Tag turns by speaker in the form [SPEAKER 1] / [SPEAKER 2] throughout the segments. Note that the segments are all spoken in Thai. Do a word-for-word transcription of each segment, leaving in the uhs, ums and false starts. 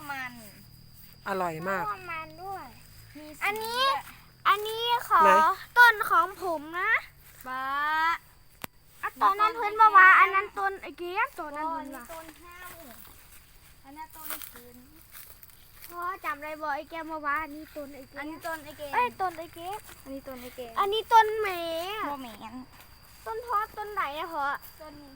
[SPEAKER 1] มัน
[SPEAKER 2] อร่อยมาก
[SPEAKER 3] มะม่วงมันด้วย
[SPEAKER 1] มี
[SPEAKER 3] อันนี้อันนี้ขอ
[SPEAKER 2] ไหน
[SPEAKER 3] ต้นของผมนะ
[SPEAKER 1] บ้า
[SPEAKER 3] ตอนนั้นเพื่อนบอกว่าอันนั้นต้นไอ้เกียบตัวนั้น
[SPEAKER 1] ต้
[SPEAKER 3] เพื่
[SPEAKER 1] น
[SPEAKER 3] อนว่า
[SPEAKER 1] ต้นห้าวอันนั้นต้นคืน
[SPEAKER 3] พ่อจำได้บอกไอ้แกมาว่าอันนี้ต้นไอ้เกี
[SPEAKER 1] อัน
[SPEAKER 3] ย
[SPEAKER 1] นี้
[SPEAKER 3] บ
[SPEAKER 1] ต้นไอเกม
[SPEAKER 3] เอ้ยต้นไอ้เกียบ
[SPEAKER 1] อันนี้ต้นไอเกม
[SPEAKER 3] อันนี้ต้นแหม
[SPEAKER 1] โมเมน
[SPEAKER 3] ต้นทอดต้นไหนอะพ่อ
[SPEAKER 1] ต้นนี้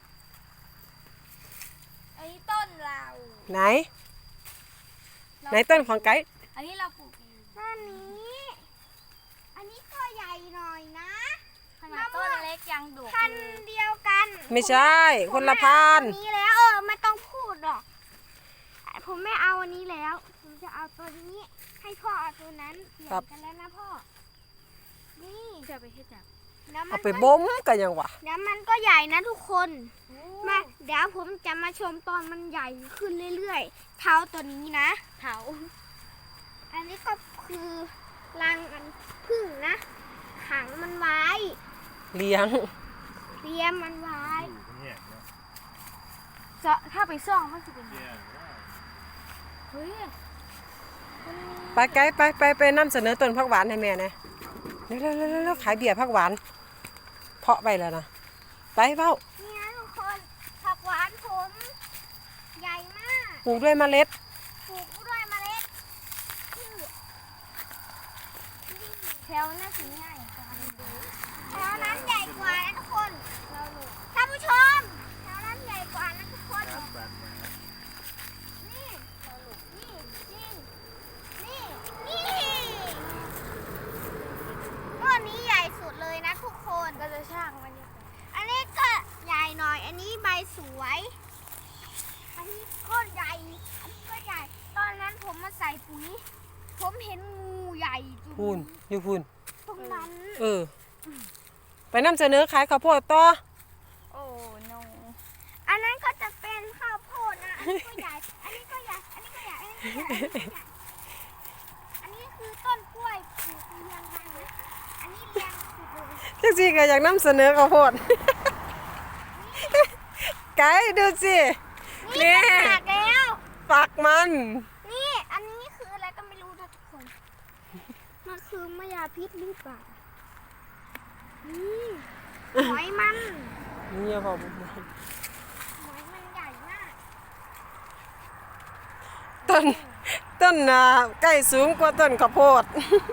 [SPEAKER 1] อันนี้ต้นเรา
[SPEAKER 2] ไหน ไหนต้นของไก่
[SPEAKER 1] อันนี้เราปลูกเอง
[SPEAKER 3] ต้นนี้ อันนี้ก็ใหญ่หน่อยนะ
[SPEAKER 1] ขนาดต้นเล็กยังดุ
[SPEAKER 3] พัน
[SPEAKER 1] เลย
[SPEAKER 3] เดียวกัน
[SPEAKER 2] ไม่ใช่คนละพัน
[SPEAKER 3] ผมไม่เอาต้นนี้แล้วเออไม่ต้องพูดหรอกผมไม่เอาอันนี้แล้ว ผมจะเอาตัวนี้ ให้พ่อเอาตัวนั้นเปลี่ยนกันแล้วนะพ่อ นี่
[SPEAKER 1] จะไปเฮ็ดจัง
[SPEAKER 3] แล้วมั
[SPEAKER 2] เอา
[SPEAKER 3] น
[SPEAKER 2] ไป
[SPEAKER 3] ก็
[SPEAKER 2] บ่มกันยังวะ
[SPEAKER 3] แล้วมันก็ใหญ่นะทุกคน มาเดี๋ยวผมจะมาชมตอนมันใหญ่ขึ้นเรื่อยๆ เท้าตัวนี้นะ
[SPEAKER 1] เถา
[SPEAKER 3] อันนี้ก็คือรังอันพึ่งนะขังมันไว้
[SPEAKER 2] เลี้ยง
[SPEAKER 3] เตรียมมันไว้
[SPEAKER 1] จะถ้าไปซ่องมันจะเป็นยังไงเฮ้ย
[SPEAKER 2] ไปไก่ไปไปไปนำเสนอต้นผักหวานให้แม่นะเร็วเร็วเร็วเร็วขายเบียร์ผักหวาน เพาะไปแล้วนะไปเฝ้า
[SPEAKER 3] นี่นะทุกคนผักหวานผมใหญ่มาก
[SPEAKER 2] ปลูกด้วยเมล็ด
[SPEAKER 3] ปลูกด้วยเมล็ดชื่อ
[SPEAKER 1] แถวน่าสิง่ายกว่าดู
[SPEAKER 3] แถวนั้นใหญ่กว่านะทุกคน
[SPEAKER 1] เราลูก
[SPEAKER 3] ท่านผู้ชมแถวนั้นใหญ่กว่านะทุกคนนี่นี่นี่นี่นี่ต้นนี้ใหญ่สุดเลยนะทุกคน
[SPEAKER 1] ก็จะช่างมันนี่
[SPEAKER 3] อันนี้ก็ใหญ่หน่อย อันนี้ใบสวย อันนี้ก็ใหญ่ อันนี้ก็ใหญ่ ตอนนั้นผมมาใส่ปุ๋ย ผมเห็นงูใหญ่จุด
[SPEAKER 2] พูนอยู่พูน
[SPEAKER 3] ตรงนั้น
[SPEAKER 2] เออ ไปนำเสนอขายข้าวโพดต่อ
[SPEAKER 1] โอ้โน
[SPEAKER 3] อันนั้นก็จะเป็นข้าวโพดนะ อันนี้ก็ใหญ่ อันนี้ก็ใหญ่ อันนี้ก็ใหญ่ อันนี้ก็ใหญ่ อันนี้ก็ใหญ่ อันนี้คือต้นกล้วยปลูกเรียงกันนะ อันนี้เรียงสุดเลย
[SPEAKER 2] จังสิก็อยากนำเสนอข้าวโพด ไก่ดูสิ
[SPEAKER 3] นี่
[SPEAKER 2] นี่
[SPEAKER 3] หักแล้ว
[SPEAKER 2] ฝักมัน
[SPEAKER 3] นี่ อันนี้คืออะไรก็ไม่รู้นะทุกคน มันคือมายาพิษหรือเปล่า นี่หอยมัน
[SPEAKER 2] นี่พอบ่
[SPEAKER 3] หอยมันใหญ่มาก
[SPEAKER 2] ต้นต้นน่ะใกล้สูงกว่าต้นข้าวโพด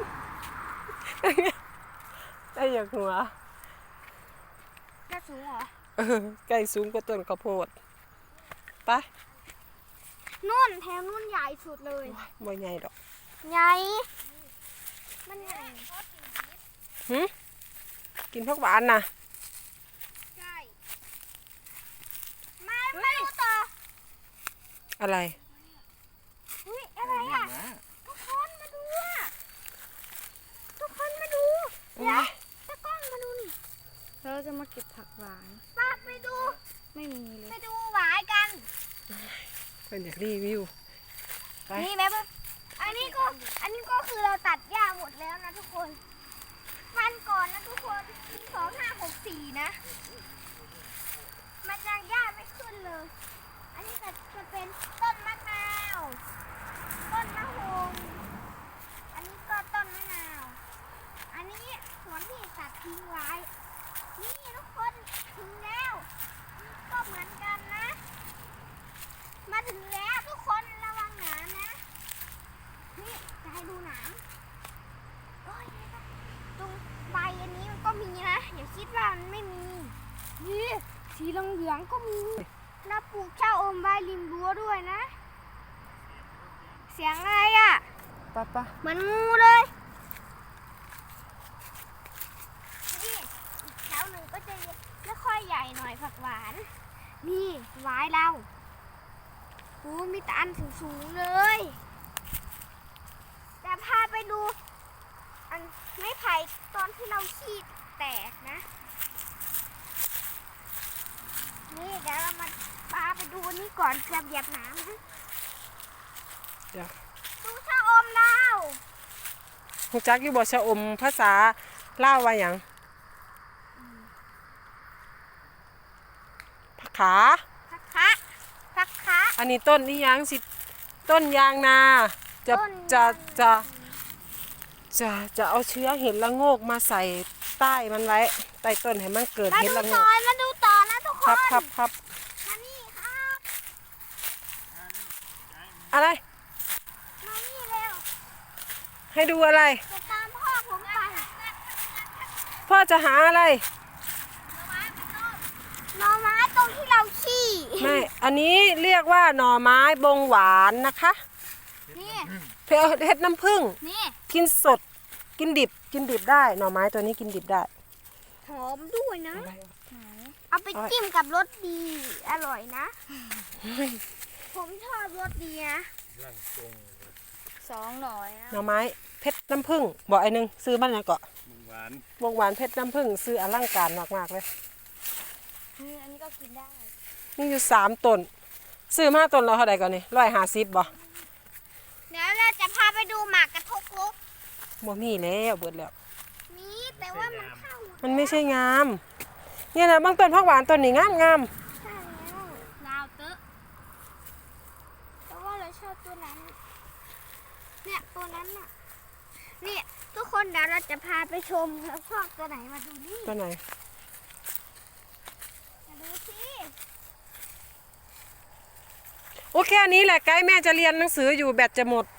[SPEAKER 2] ได้อยากหัว
[SPEAKER 3] จะสูงเหรอ
[SPEAKER 2] เออใกล้สูงกว่าต้นข้าวโพดไป
[SPEAKER 3] นู่นแถวนู่นใหญ่สุดเลย
[SPEAKER 2] บ่ใหญ่ดอก
[SPEAKER 3] ใหญ่ มันใหญ่
[SPEAKER 2] หึกินผักหวานน่ะ
[SPEAKER 3] ใช่มาไม่รู้ต่อ
[SPEAKER 2] อะไร
[SPEAKER 3] อุ้ยอะไรอ่ะ ทุกคนมาดูอ่ะ ทุกคนมาดูเดี๋ยวตะกล้องมาดูนี่
[SPEAKER 1] เราจะมาเก็บผักหวาน
[SPEAKER 3] ป้าไปดู
[SPEAKER 1] ไม่มีเล
[SPEAKER 3] ไป
[SPEAKER 1] ย
[SPEAKER 3] ดูหวายกัน
[SPEAKER 2] เพิ่นอยากรีวิว ไป
[SPEAKER 1] นี่แม่ปุ๊บ
[SPEAKER 3] อันนี้ก็ อันนี้ก็คือเราตัดหญ้าหมดแล้วนะทุกคนวันก่อนนะทุกคนสองห้าหกสี่นะ มันยังหญ้าไม่ขึ้นเลย อันนี้จะจะเป็นต้นมะนาว ต้นมะฮงอันนี้ก็ต้นมะนาว อันนี้สวนที่ตัดทิ้งไว้ นี่ทุกคนถึงแล้วนี่ก็เหมือนกันนะ มาถึงแล้วทุกคนระวังหนามนะ นี่จะให้ดูหนามโอ้ยตรงใบอันนี้มันก็มีนะอย่าคิดว่ามันไม่มี นี่สีเหลืองๆก็มีแล้วปลูกเจ้าอมใบริมรั้วด้วยนะ เสียงอะไรอ่ะ
[SPEAKER 2] ไปไป
[SPEAKER 3] เหมือนงูเลย นี่อีกแถวหนึ่งก็จะไม่ค่อยใหญ่หน่อยผักหวาน นี่หวายเราโอ้มีแต่อันสูงๆเลย แต่พาไปดู อันไม้ไผ่ตอนที่เราขี้แตกนะ นี่เดี๋ยวเรามาพาไปดูนี่ก่อนเกือบเหยียบน้ำนะ
[SPEAKER 2] เดี๋ยว
[SPEAKER 3] ดูชะอมเรา
[SPEAKER 2] ฮู้จักอยู่บ่ชะอมภาษาลาวว่าหยังผักขา
[SPEAKER 3] พักคะพักคะ
[SPEAKER 2] อันนี้ต้นนี่ยังสิต้นยางนาจะจะจะจะจะเอาเชื้อเห็ดละโงกมาใส่ใต้มันไว้ใต้ต้นให้มันเกิด
[SPEAKER 3] มา
[SPEAKER 2] เห็ด
[SPEAKER 3] ดู
[SPEAKER 2] ละโง
[SPEAKER 3] ต่อก มาดูต่อนะทุกค
[SPEAKER 2] ครับ
[SPEAKER 3] น
[SPEAKER 2] ครับครับ
[SPEAKER 3] มานี่ครับ
[SPEAKER 2] อะไร
[SPEAKER 3] มานี่เร็ว
[SPEAKER 2] ให้ดูอะไร
[SPEAKER 3] จะตามพ่อผมไป
[SPEAKER 2] พ่อจะหาอะไร
[SPEAKER 3] หน่อไม้ตรงที่เราขี้
[SPEAKER 2] ไม่ อันนี้เรียกว่าหน่อไม้บงหวานนะคะ
[SPEAKER 3] นี่
[SPEAKER 2] เพลเห็ดน้ำผึ้ง
[SPEAKER 3] นี่
[SPEAKER 2] กินสด กินดิบ กินดิบได้ หน่อไม้ตัวนี้กินดิบได้
[SPEAKER 3] หอมด้วยนะ เอาไปจิ้มกับรสดี อร่อยนะ ผมชอบรสดีนะสองหน่อยนะ
[SPEAKER 2] หน่อไม้เพชรน้ำผึ้งบอกไอ้หนึงซื้อบ้านไหนเกาะ
[SPEAKER 4] มึงหวาน
[SPEAKER 2] วงหวานเพชรน้ำผึ้งซื้ออลังการมากๆเลย
[SPEAKER 3] อันนี้ก็กินได้
[SPEAKER 2] นี่อยู่สามต้นซื้อมาต้นเราเท่าไหร่ก่อนนี่ร้อยห้าสิบบ่
[SPEAKER 3] เดี๋ยวเราจะพาไปดูหมากกระทกลุก
[SPEAKER 2] บ่มีแล้วเบิดแล้ว
[SPEAKER 3] นี่แต่ว่ามันเข้าหมด
[SPEAKER 2] มันไม่ใช่งามเนี่ยนะบางต้นผักหวานต้นนี้งามงาม
[SPEAKER 3] ใช่แล้วลาวเตอะแต่ว่าเราชอบตัวนั้น เนี่ยตัวนั้นน่ะเนี่ยทุกคนเดี๋ยวเราจะพาไปชมเราชอบตัวไหนมาดูนี่
[SPEAKER 2] ตัวไหน
[SPEAKER 3] มาดูสิ
[SPEAKER 2] โอเคอันนี้แหละไกด์แม่จะเรียนหนังสืออยู่แบตจะหมด